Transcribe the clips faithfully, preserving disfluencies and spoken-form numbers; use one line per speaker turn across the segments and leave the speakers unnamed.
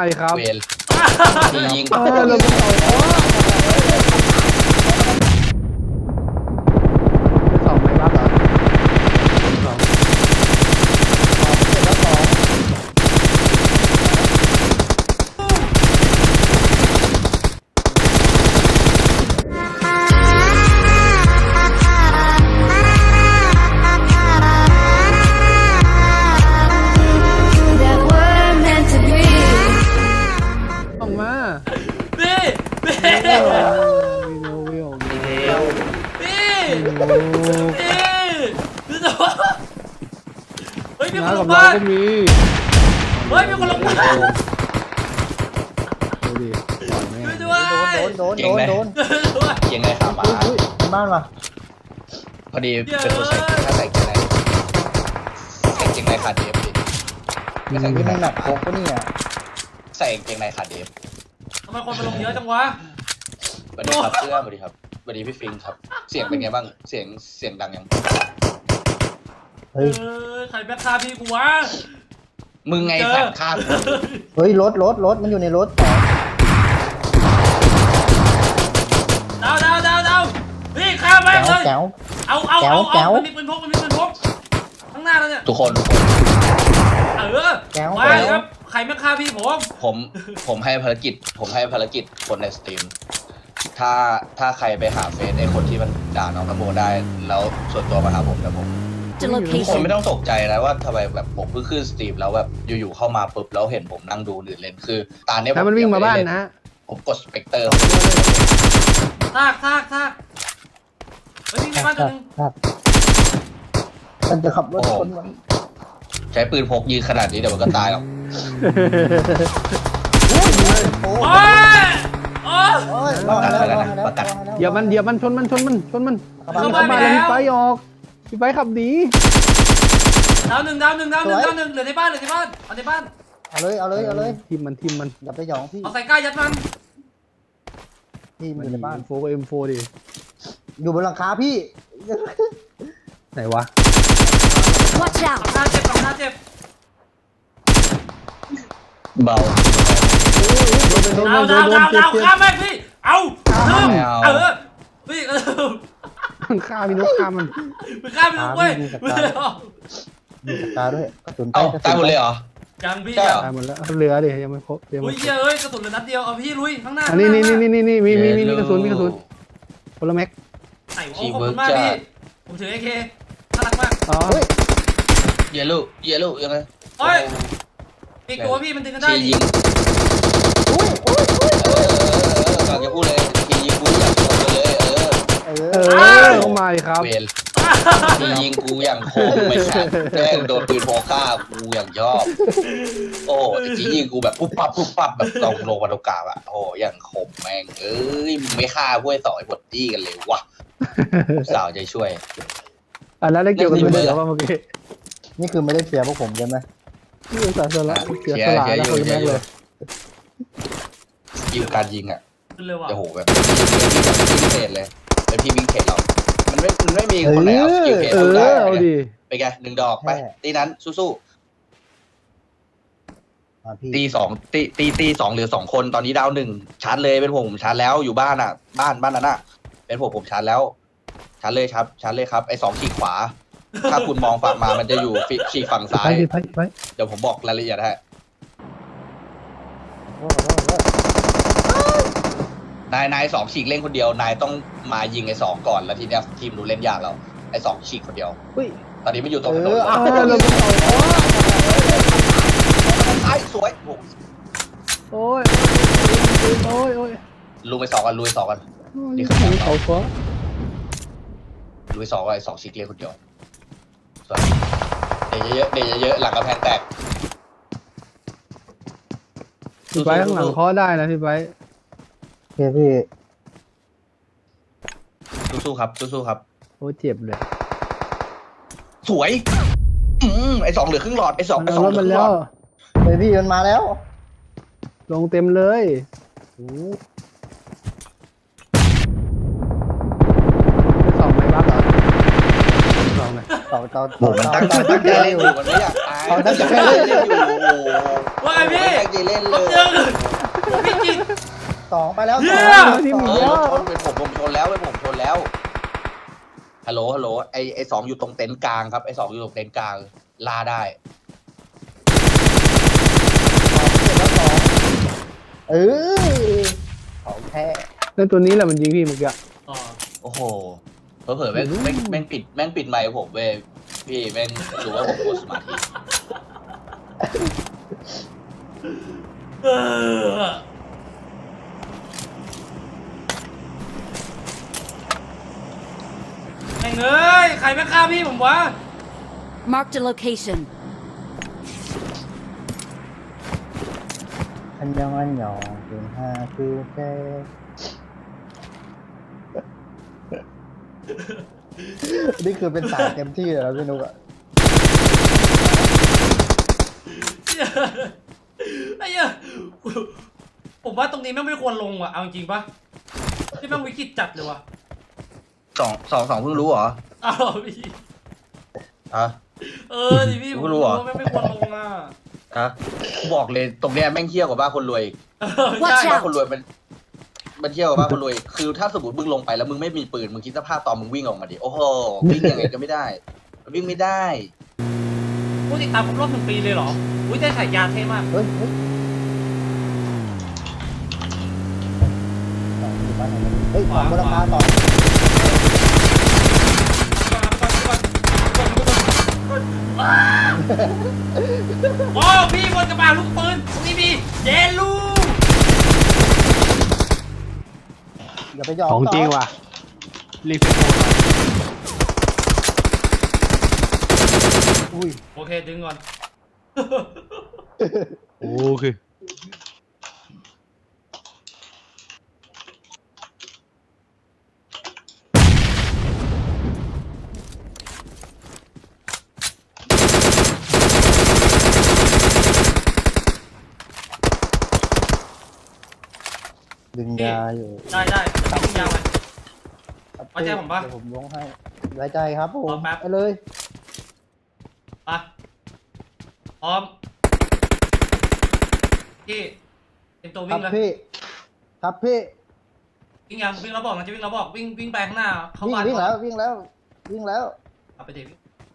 ดิครับ
เวรยิง
เออเราไม่เอาไปสองไหมบ้างเหรอสองส่งมา
พี่พี่
วิววิววิว
พี่พี่พี่ตัวเฮ้ยมีคน
น้า
ล
กับ
ง
เรา
บ้าน
ก็มี
เฮ้ยมีคนลงบ้าน
ดูดิปล่อยแม่ง
ช่วยด้วย
โดนโดนโดนโดน
ด้วย
เก่งเลยขาหมา
อุ้ยบ้านว่ะ
พอดีเป็นคนใส่ถ้าใส่เก่งในใส่เก่งในขาดเดฟดิไม่ใส่
นี่
เก่งใน
มันหนั
ขาก ด
โคกปะเนี่ย
ใส่เก่งในขาดเดฟ
ทำไมคนมาลงเยอะจังวะ
สวัสดีครับเพื่อนสวัสดีครับสวัสดีพี่ฟิงครับ เสียงเป็นไงบ้างเสียงเสียงดังยัง
เอ
เฮ้ย
อใครแบ็คคาพี่กูวะ
มึงไงสัตว์ข้าม
เฮ้ยรถรถรถมันอยู่ในรถ
ดาวดาวดาวดาวพี่ข้ามไป
แก้ว
เลย
แก้ว
เอาเอา
แจ๋
เอา
วแจ๋
เอา
ว
มันมีปืนพกมันมีปืนพกข้างหน้าแล้วเนี่ย
ทุกคนทุกคน
เออ
แก้ว
มา
แก้ว
ครับใครแบ็คคาพี่ผม
ผมผมให้ภารกิจ ผมให้ภารกิจคนในสตรีมถ้าถ้าใครไปหาเฟซไอ้คนที่มันด่าน้องนโมได้ แล้วส่วนตัวมาหาผมนะผม
The
ทุกคนไม่
location.
ต้องตกใจนะว่าทำไมแบบผมเพิ่งขึ้นสตรีมแล้วแบบอยู่ๆเข้ามาปุ๊บแล้วเห็นผมนั่งดูหรือเล่นคือตาเนี้ยผ
ถ้ามันวิ่งมาบ้านนะ
ผมกดสเปกเตอร์
ซากซากซากเฮ้ยวิ่งในบ้านตัวนึง
ครับมันจะขับรถชนมัน
ใช้ปืนพกยิงขนาดนี้เดี๋ยวมันก็ตายหรอก
โอ้ย
โอ้ยโอ้ย
โอ้ยรอดแล้วรอดแล้วรอดแล้ว
เดี๋ยวมันเดี๋ยวมันชนมันชนมันชนมัน
เข้า
เข้า
บ้าน
มาแล้วพี่ไปออกพี่ไปขับหนี
ดาวหนึ่งดาวหนึ่งดาวหนึ่งดาวหนึ่งเหลือในบ้านเหลือในบ้านเอาในบ้าน
เอาเลยเอาเลยเอาเลย
ทีมมันทีมมัน
อย่าไปหยองพี่
เอาใส่ก้ายัดมัน
พี่มันอยู่ในบ้าน
โฟกับเอ็มโฟดิ
อยู่บนหลังคาพี่
ไหนวะ
Watch
สอง
out!
หน้าเจ็บสองหน้าเจ็บ
เบา
โดน
ดาว
โด
ดาวน
โด
ดาน ว
เจ็บ
ดาว
เจ็บ
ข้ามแม่งพี่เอาเริ่ม
ไม่เอา
เออพี่เออ
มันฆ่าพี่นกฆ่ามัน
ไปข้ามไปลูกเว้ย
มีสกาด้วยกระสุนไป
เอ้าก
ระสุน
ตายหมดเลยเหรอ
ยังพี่
ใช่เหรอ
ตายหมดแล้วเหลือดิยังไม่ครบยัง
อุ้
ไม่
ย
ครบ
เอ้ยกระสุนเหลือนัดเดียวเอาพี่ลุยข้างหน้า
อันนี้นี่นี่นี่นี่มีมีมีมีกระสุนมีกระสุนคนละแม็ก
ไหนโอ้ขอบคุณมากพี่ผมถือเอเคน่ารักมาก
อ๋อ
เฮ้ย
เยลูเยลูยังไง
เฮ้ยอีกตัวพี่มันดึงกันได้
ทียิง
อุ้ยอุ้ยอุ้ย
เออฝากจะพูดเลยทียิงกูอยากโดนเลยเออ
เอ
เอ
อ
อลงมาดิครับ
เวรทียิงกูอย่างโคมไม่ขาดแม่งโดนปืนพกฆ่ากูอย่างชอบโอ้แต่ทียิงกูแบบปุ๊บปั๊บปุ๊บปั๊บแบบลงลงมาตรงกลางอะโอ้อย่างคมแม่งเอ้ยมึงไม่ฆ่าพวกไอ้สองไอ้บดดี้กันเลยวะสาวใจช่วย
อันนั้นได้เกี่ยวกับตัวเดียวว่าเมื่อกี้
นี่คือไม่ได้เสียพวกผมใช่ไหม
ที่อุตส่าห์สละเสียสละแล้วคนละแม็กเลย
ยิงการยิงอ่ะ
ขึ้นเลยว่ะ
โอ้โหแบบวิ่งเทรดเลยเป็นพี่วิ่งเทรดเรา มันไม่มันไม่มีคนไหนเอาสกิลเทรด
เอ
สู้
อ
ได้
เอาดิ
ไปไงหนึ่งดอกไปตีนั้นสู้
อ่าพี่
ๆตีสองตีตีตีสองเหลือสองคนตอนนี้ดาวหนึ่งชาร์จเลยเป็นผมผมชาร์จแล้วอยู่บ้านอ่ะ บ้านบ้านนั้นอ่ะเป็นผมผมชาร์จแล้วชาร์จเลยครับชาร์จเลยครับไอ้สองขีดขวา ถ้าคุณมองฝั่งมามันจะอยู่ขีดฝั่งซ้า
ไป
ย
ดิไปไป
เดี๋ยวผมบอกรายละเอียดให้
โอ้โหโอ้โห
นายนายสองฉีกเล่นคนเดียวนายต้องมายิงไอ้สองก่อนแล้วทีเนี้ยทีมดูเล่นยากแล้วไอ้สองฉีกคนเดียว
เฮ้ย
ตอนนี้ไม่อยู่ตรงถน
เอน อเอา
เออเราไม่เอา
ไอ้สวยโอ้
โอ้ยโอ้ยโอ้ย
ลุยไปสองกันลุยสองกัน
นี่คือเขาฟ้า
ลุยสองกันไอ้สองฉีกเล่นคนเดียวสวยเดยเยอะๆเดยเยอะๆหลังกระแพงแตก
พี่ไปข้างหลังเคาะได้นะพี่ไป
โอเคพี่
สู้ๆครับสู้ๆครับ
โอ้เจ็บเลย
สวยอืมไอ้สองเหลือครึ่งหลอดไอ้สอง
มัน
ไอ้ส
เอา
อง
รถ
เหลือ
มั
คน รึ่งห
แล้
ล
ว
อด
เฮ้ยพี่มันมาแล้ว
ลงเต็มเลยไปสองไหมบ้าเหรอสองไหม
เสาต่อ
โอ้มันตั้งใจตั้งใจเล่นอยู่มันไม่อยากตาย
เอาตั้งใจ
เล่
เล่
น
น
อยู่โอ้โห
ว่าไงพี่
ตั้งใจเล่น
ผ
เล
ม
ย
เจอพี่จิต
สองไปแล้ว
เหี้
ส
ย
อง
ที่มี
เอ
เย
อ
อะ
รถชนเป็นผมผมชนแล้วเป็นผมชนแล้วฮัลโหลฮัลโหลไอไอสองอยู่ตรงเต็นท์กลางครับไอสองอยู่ตรงเต็นท์กลางลาได้
เออของแท้
แล้วตัวนี้แหละมันยิงพี่เมื่อกี้
อ๋อ
โอ้โหเผลอๆแม่งแม่งแม่งปิดแม่งปิดไมค์ผมเว้ยพี่แม่งรู้ว่าผมกดสมาธิ
เออแม่งเอ้ยใครไม่ฆ่าพี่ผมวะ
Marked a location.
อันยองอันยองเป็นห้าคือแท้นี่คือเป็นสายเต็มที่เลยแล้วพี่นุ๊กอะ
ไอ้เหี้ยผมว่าตรงนี้แม่งไม่ควรลงว่ะเอาจริงปะที่แม่งวิกฤตจัดเลยว่ะ
สองสองสองเพิ่งรู้เหรอ
อ้าวพี่
ฮะ
เออดิพี่ผม
ไม่รู้เหรอ
ว่าแม่งไม่ควรลงอ่ะ
ฮะกูบอกเลยตรงเนี้ยแม่งเที่ยวกว่าบ้านคนรวยอีก
เออ
Watch
ใช่
out
บ้านคนรวยมันมันเที่ยวกว่าบ้านคนรวยอีกคือถ้าสมมติมึงลงไปแล้วมึงไม่มีปืนมึงคิดสภาพตอนมึงวิ่งออกมาดิโอ้โหวิ่งยังไงก็ไม่ได้วิ่งไม่ได้
ผู้ติดตามครบรอบหนึ่งปีเลยเหรออุ้ยได้ฉายาเท่มาก
เฮ้ยเฮ้ยสองอยู่บ้านไหนวะเฮ้ยของบนราคาต่อ
โอ้พี่บนกระบะลูกปืนตรงนี้มีเยลู
อย่าไปยอม
ของจริง
ต่
ว่ะรีเฟรชโหมด
อุ้ย
โอเคดึงก่อน
โอเค
ดึงยาอยู่
ได้ได้จะดึงยาวไป ไว้ใจผมปะ
เดี๋ยวผมลงให้ไว้ใจครับผ
ร
ม
อแป๊บ
ไปเลย
ไปพร้อมพี่เป็นตัว
ค
วิ่
รับ
งเลย
พี่ครับพี่
วิ่งยังวิ่งแล้วบอกนะจะวิ่งแล้วบอกวิ่งวิ่งไปข้างหน้าเข้า
วิ่ง
บ้าน
วิ่งแล้ววิ่งแล้ววิ่งแล้ว
เอาไปเด็ก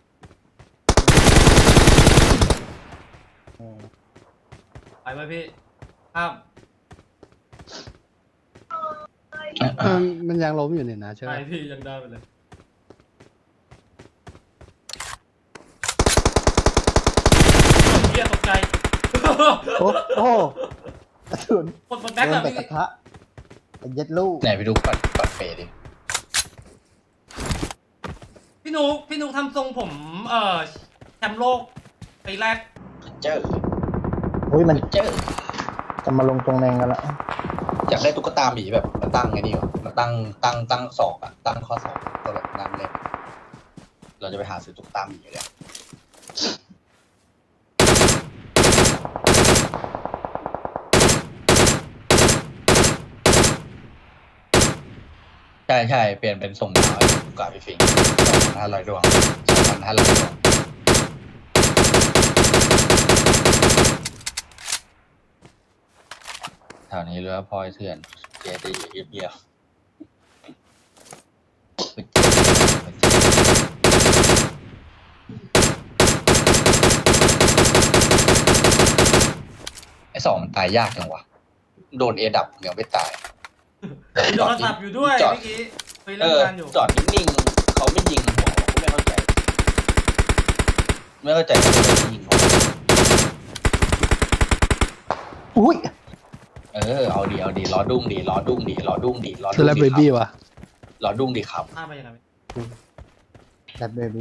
อืม
ไปไว้พี่ข้าม
มันมันยังล้มอยู่เนี่ยนะใช่ไห
ไป
ม
พี่ยังได้ไปเลยเฮียตกใจ
โอ้โอ้กระสุน
กดกด
โด
แบ็คน อะ
แต่
พี่
กระทะไอ้เย็ดลูก
ไหนไปดูปัดปัดเปรดิ
พี่นุกพี่นุกทำทรงผมเอ่อแชมป์โลกปีแรก
เจอ
อุ้ยมัน
เจอ
จะมาลงตรงแนงกันละ
อยากได้ตุ๊กตาหมีแบบมาตั้งไงนี่วะมาตั้งตั้งตั้งศอกอะตั้งข้อศอกก็แบบนั่งเล่นเราจะไปหาซื้อตุ๊กตาหมีเลยใช่ใช่เปลี่ยนเป็นส่งดาวให้ตุ๊กตาพี่ฟิงสองพันห้าร้อยดวงสองพันห้าร้อยดวงแถวนี้เรือพลอยเถื่อนเจดีเยียบเยียบไอ้สองมันตายยากจังวะโดนเอดับยังไม่ตาย
มีโทรศัพท์อยู่ด้วย
จอด
เมื่อกี้ไป
เอ
เล่น
อ
งานอยู่
จอดนิ่งๆเขาไม่ยิงหัวผมก็ไม่เข้าใจ ไม่เข้าใจว่าเขาไม่ยิงหัว
อุ้ย
เออเอาดีเอาดีล้อดุ้งดีล้อดุ้งดีล้อดุ้งดีล้อ
เซ
ดุ้ง
เลบ
ดี
เบ
ค
บี้
รับ
ว่ะ
ล้อดุ้งดีครับ
ข้ามไปยังไง
แบดเบบี้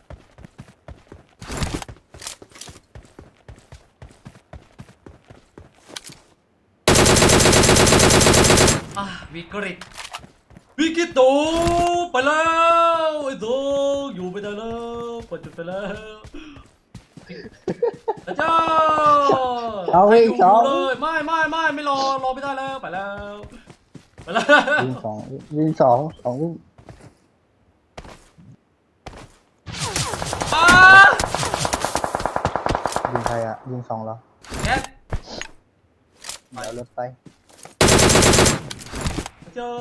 อ่ะวิกฤตวิกฤตตูไปแล้วไอ้โตอยู่ไม่ได้แล้วปวดจุดไปแล้วพระเจ้า
เอาอีกสอง
เลยไม่ไม่ไม่ไม่รอรอไม่ได้แล้วไปแล้วไปแล้ว
วิ่งสองวิ่งสองสองวิ่งยิงสองแล้ว
แก๊ส
เดี๋ยวรถไป
เจอ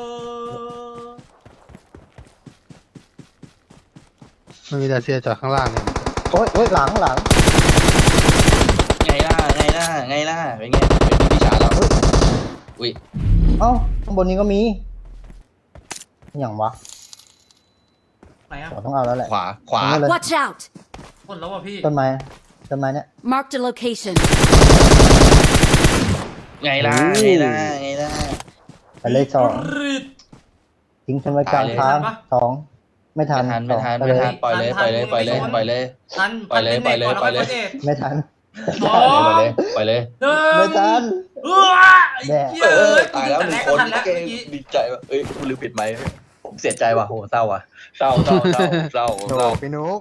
มันมีแต่เสียจอดข้างล่างเนี่ย
โอ๊ยโอ๊ยหลังหลัง
ไงล่ะไงล่ะไงล่ะเป็นไงเป็นพี่ชายเราอุ้ย
เอ้าข้างบนนี้ก็มีอย่างวะ
ไหนอะ
เราต้องเอาแล้วแหละ
ขวาขวา
เอาเลย
Watch out!
คนแล้วว่ะพี่
ต้นไม้ต้นไม้เนี่ย
Marked a location.
ไงล่ะไงล่ะไงล่ะ
ไปเลยสอง
วิกฤต
ทิ้งฉันไว้กลางทาง
ตายเลย
สองไม่ทั
ไม่
น
ทันไม่ทัน
สอง
ไม่ทันปล่อยเลยปล่อยเลยปล่อยเลยปล่อยเลย
ทัน
ปล่อยเลย
ทันป็น
ปล่อยเลย
ด็กก่น
ปล่อยเลย
แวก็
ไม่ทัน
สอง
ปล่อยเลยปล่อยเลย
หนึ่ง
ไม่ทัน
เอ้อไอ้
แน่
เหี้ย
เอ
เอ้
อย ตายแล้ว
แต่
ห
แร
นึ่ง
ก
ค
ก็
น
ทันแล้ว
เก่ง
เมื่อกี้
ดีใจว่ะเอ้ยกูลืมปิดไมค์ผมเสียใจว่ะโหเศร้าว่ะเศร้าเศร้าเศร้าเศร้า
โถ
เศร้า
พี่นุ๊ก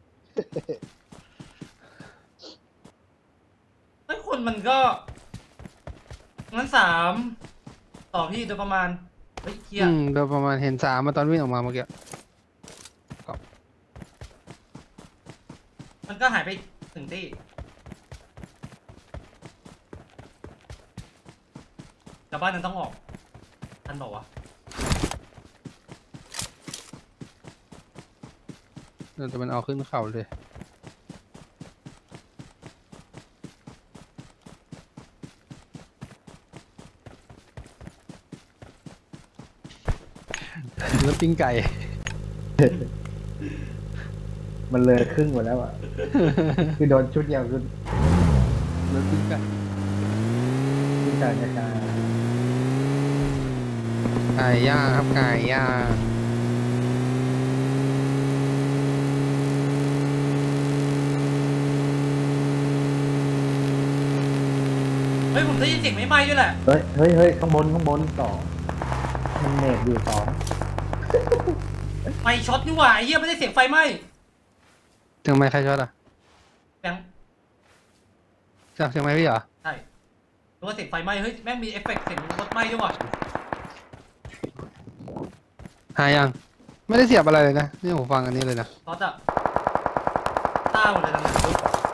ไอ้คนมันก็งั้นสามต่อพี่โดยประมาณเฮ้ยเฮีย
อืมโดยประมาณเห็นสามมาตอนวิ่งออกมาเมื่อกี้
มันก็หายไปถึงที่แต่บ้านนั้นต้องออกทันบอกว่าวะ
แต่มันเอาขึ้นเข่าเลยแล้วปิ้งไก่
มันเลยครึ่งหมดแล้วอ่ะ คือโดนชุดเดียวคือ
แล้วปิ้งไก่
ที่การจะการ
ไก่ย่างครับไก่ย่าง
เฮ้ยผมได้ยินเสียงไม่ไหม้ด้วยแหละ
เฮ้ยเฮ้ยเฮ้ยข้างบนข้างบนสองมันเนตอยู่สอง
ไฟช็อตนี่หว่าไอ้เหี้ยไม่ได้เสียงไฟไหม้
ถึงไม้ใครช็อตอ่ะ
แบงค์
จากเชียงใหม่พี่เหรอ
ใช่หรือว่าเสียงไฟไหม้เฮ้ยแม่งมีเอฟเฟกต์เสียงรถไหม้ด้วยว่ะ
หายังไม่ได้เสียบอะไรเลยนะนี่ผมฟังอันนี้เลยนะ
รถอะต้าหมดเลยนะเนี่ย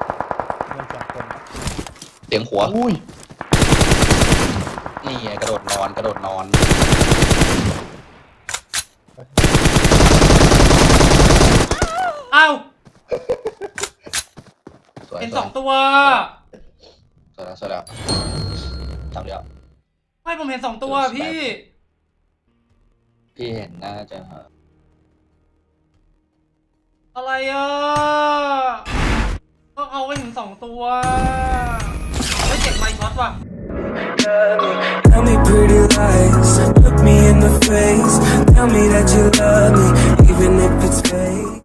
เสียงหัว
อุ้ย
นี่ไงกระโดดนอนกระโดดนอน
อ้าว
สวย
เป็น
ส
ส
ว
อย งตัว
สวยแล้วสวยแล้วทำเดียว
ไม่ผมเห็นสองตัวพี่
พี่เห็นน่าจะ
อะไรอ่ะก็เอาไว้ถึงสองตัวไม่เจ็บไมค์ช็อตว่ะ
Tell me pretty lies, look me in the face. Tell me that you love me,